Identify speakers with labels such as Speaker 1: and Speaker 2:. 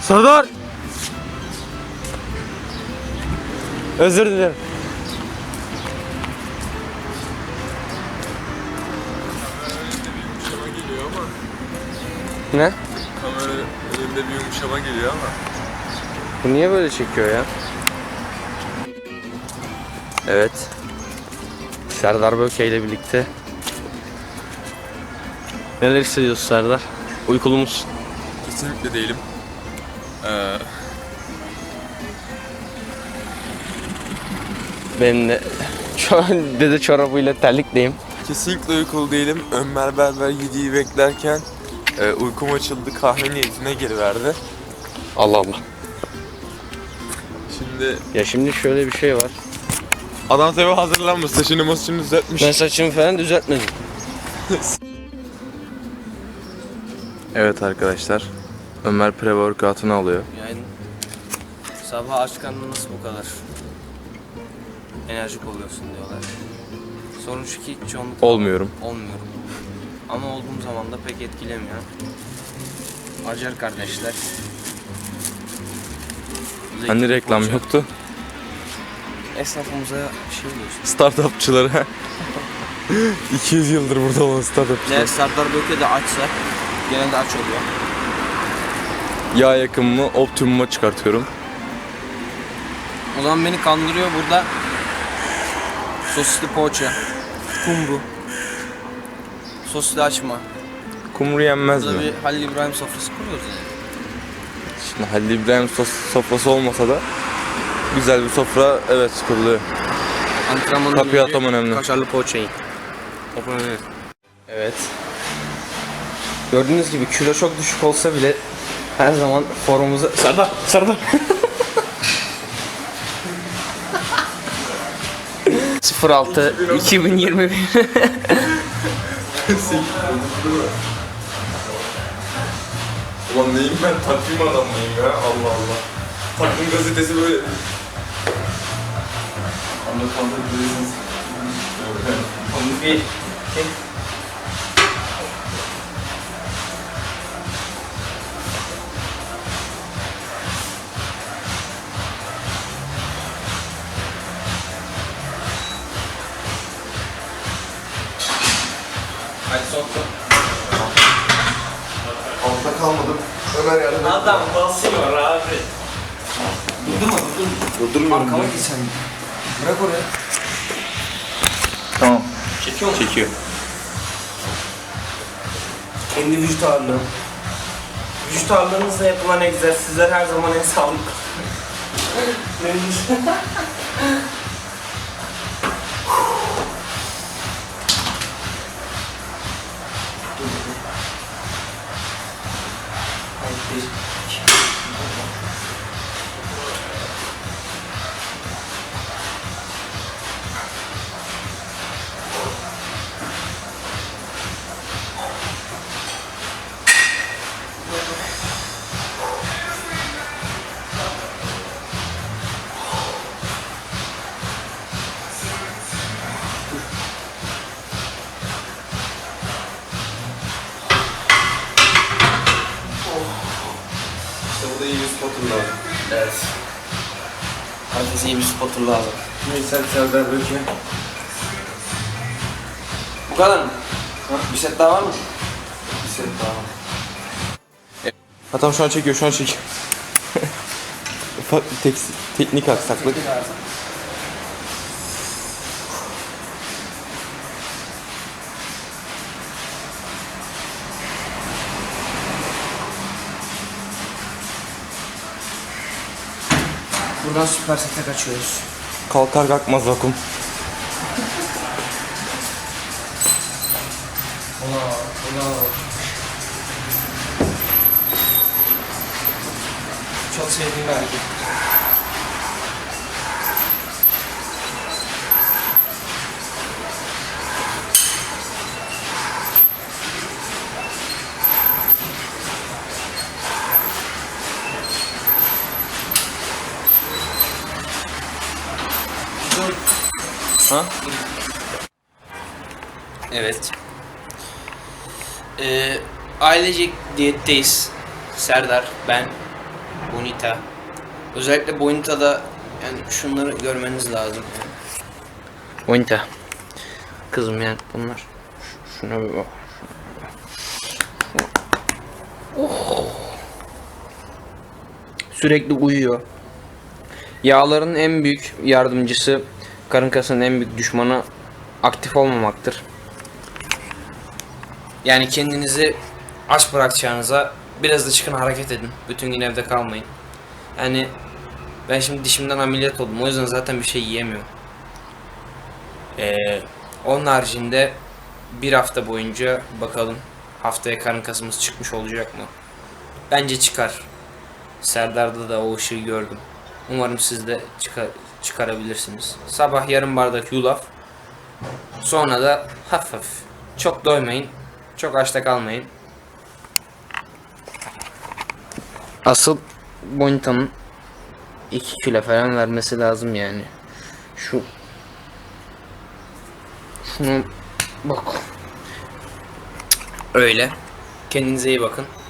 Speaker 1: Serdar! Özür dilerim.
Speaker 2: Yumuşama geliyor ama.
Speaker 1: Ne?
Speaker 2: Kamera önünde bir yumuşama geliyor ama.
Speaker 1: Bu niye böyle çekiyor ya? Evet. Serdar Böke ile birlikte. Neler hissediyorsun Serdar? Uykulu musun?
Speaker 2: Kesinlikle değilim.
Speaker 1: Ben de dede çorabıyla terlikleyim.
Speaker 2: Kesinlikle uykulu değilim. Ömer Berber 7'yi beklerken uykum açıldı, kahve niyetine geri verdi.
Speaker 1: Allah Allah.
Speaker 2: Şimdi
Speaker 1: Ya şimdi şöyle bir şey var.
Speaker 2: adam tabi hazırlanmış, saçını masını düzeltmiş.
Speaker 1: Ben saçımı falan düzeltmedim.
Speaker 2: Evet arkadaşlar, Ömer pre-workout'unu alıyor.
Speaker 1: Yani sabah aç karnına nasıl bu kadar enerjik oluyorsun diyorlar. Sorun şu ki çoğunlukla
Speaker 2: Olmuyorum.
Speaker 1: olmuyorum. Ama olduğum zaman da pek etkilemiyor. Acar kardeşler.
Speaker 2: Hani reklam
Speaker 1: Hoca,
Speaker 2: yoktu?
Speaker 1: esnafımıza şey diyorsun.
Speaker 2: Startupçılara. 200 yıldır burada olan startupçılar.
Speaker 1: Eğer Serdar Böke de açsa genelde aç oluyor.
Speaker 2: Yağ yakımımı optimuma çıkartıyorum.
Speaker 1: O zaman beni kandırıyor burada. Sosisli poğaça, kumru, sosisli açma.
Speaker 2: Kumru yenmez
Speaker 1: Burada
Speaker 2: mi?
Speaker 1: bir Halil İbrahim sofrası kuruyoruz yani.
Speaker 2: Şimdi Halil İbrahim sofrası olmasa da güzel bir sofra evet kuruluyor.
Speaker 1: Antrenmanın
Speaker 2: Kapıya
Speaker 1: önce
Speaker 2: atam önemli.
Speaker 1: Kaşarlı poğaçayı. Evet. Gördüğünüz gibi kilo çok düşük olsa bile her zaman formumuzu... Serdar! 06 2021
Speaker 2: Ulan neyim ben? Takvim adam mıyım ya? Allah Allah. Takvim gazetesi böyle. Anlatmadığınız.
Speaker 1: bir Hadi soktu.
Speaker 2: Altta kalmadım. Ömer yardım et.
Speaker 1: Adam basıyor abi. Durdurma.
Speaker 2: Durdurmuyorum.
Speaker 1: Arkama git sen. Bırak oraya.
Speaker 2: Tamam.
Speaker 1: Çekiyor mu?
Speaker 2: Çekiyor.
Speaker 1: Kendi vücut ağırlığı. Vücut ağırlığınızla yapılan egzersizler her zaman en sağlıklı.
Speaker 2: İşte burada iyi bir spotun lazım.
Speaker 1: Evet. Herkese iyi bir spotter lazım.
Speaker 2: Neyse Serdar Böke.
Speaker 1: Bu kadar mı? Bir set daha var mı?
Speaker 2: Bir set daha. Ha tamam şu an çekiyor, şu an çekiyor. Ufak bir teknik aksaklık.
Speaker 1: Buradan süper sete kaçıyoruz.
Speaker 2: Kalkar kalkmaz vakum.
Speaker 1: Ulan. Çok sevdiğim bir hareket.
Speaker 2: Ha?
Speaker 1: Evet. Ailecek diyetteyiz. Serdar, ben,
Speaker 3: Bonita. Özellikle Bonita'da yani şunları görmeniz lazım. Bonita. Kızım yani bunlar. Şuna bir bak. Oh. Sürekli uyuyor. Yağların en büyük yardımcısı, karın kasının en büyük düşmanı aktif olmamaktır. Yani kendinizi aç bırakacağınıza biraz da çıkın hareket edin. Bütün gün evde kalmayın. Yani ben şimdi dişimden ameliyat oldum. O yüzden zaten bir şey yiyemiyorum. Onun haricinde bir hafta boyunca bakalım haftaya karın kasımız çıkmış olacak mı? Bence çıkar. Serdar'da da o ışığı gördüm. Umarım siz de çıkarabilirsiniz. Sabah yarım bardak yulaf. Sonra da hafif hafif. Çok doymayın. Çok açta kalmayın. Asıl Bonita'nın 2 kilo falan vermesi lazım yani. Şunu bak. Öyle. Kendinize iyi bakın.